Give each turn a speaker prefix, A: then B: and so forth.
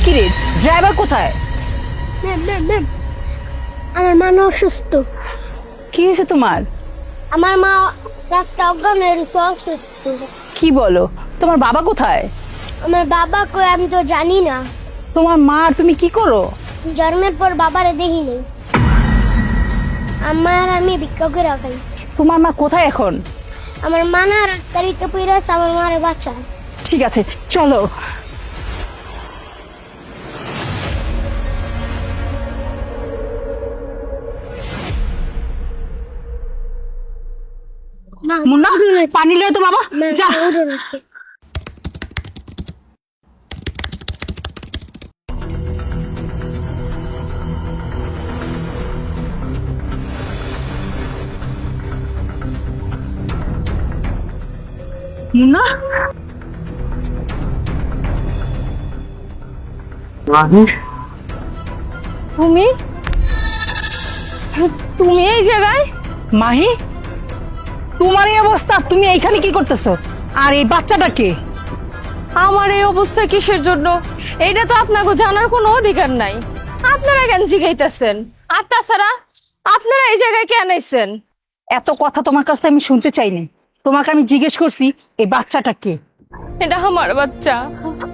A: কিরে, ড্রাইভার কোথায়?
B: Ma'am ma'am ma'am, আমার মা না অসুস্থ।
A: কি হয়েছে তোমার?
B: আমার মা রাস্তা অজ্ঞান হয়ে গেছে, অসুস্থ।
A: কি বলো? তোমার বাবা কোথায়?
B: আমার বাবা কই আমি তো জানি না।
A: তোমার মা আর তুমি কি করো?
B: জন্মের পর বাবারে দেখি নাই। আমার আমি ভিক্ষা করে খাই।
A: তোমার মা কোথায় এখন?
B: আমার মা না রাস্তার ভিতরে পড়ে আছে, আমার মারে বাঁচা।
A: ঠিক আছে, চলো।
B: না
A: মুন্না, পানি লয়ে তো বাবা, যা। মুন্না,
C: তুমি তুমি এই জায়গায়?
A: মাহি, তোমার এই অবস্থা, তুমি এইখানে কি করতেছো? আর এই বাচ্চাটা কে?
C: আমার এই অবস্থা কিসের জন্য এটা তো আপনাকে জানার কোনো অধিকার নাই। আপনারা কেন জিগাইতেছেন? আর তাছাড়া আপনারা এই জায়গায় কেন আইছেন?
A: এত কথা তোমার কাছ থেকে আমি শুনতে চাইনি। তোমাকে আমি জিজ্ঞেস করছি এই বাচ্চাটা কে।
C: এটা আমার বাচ্চা,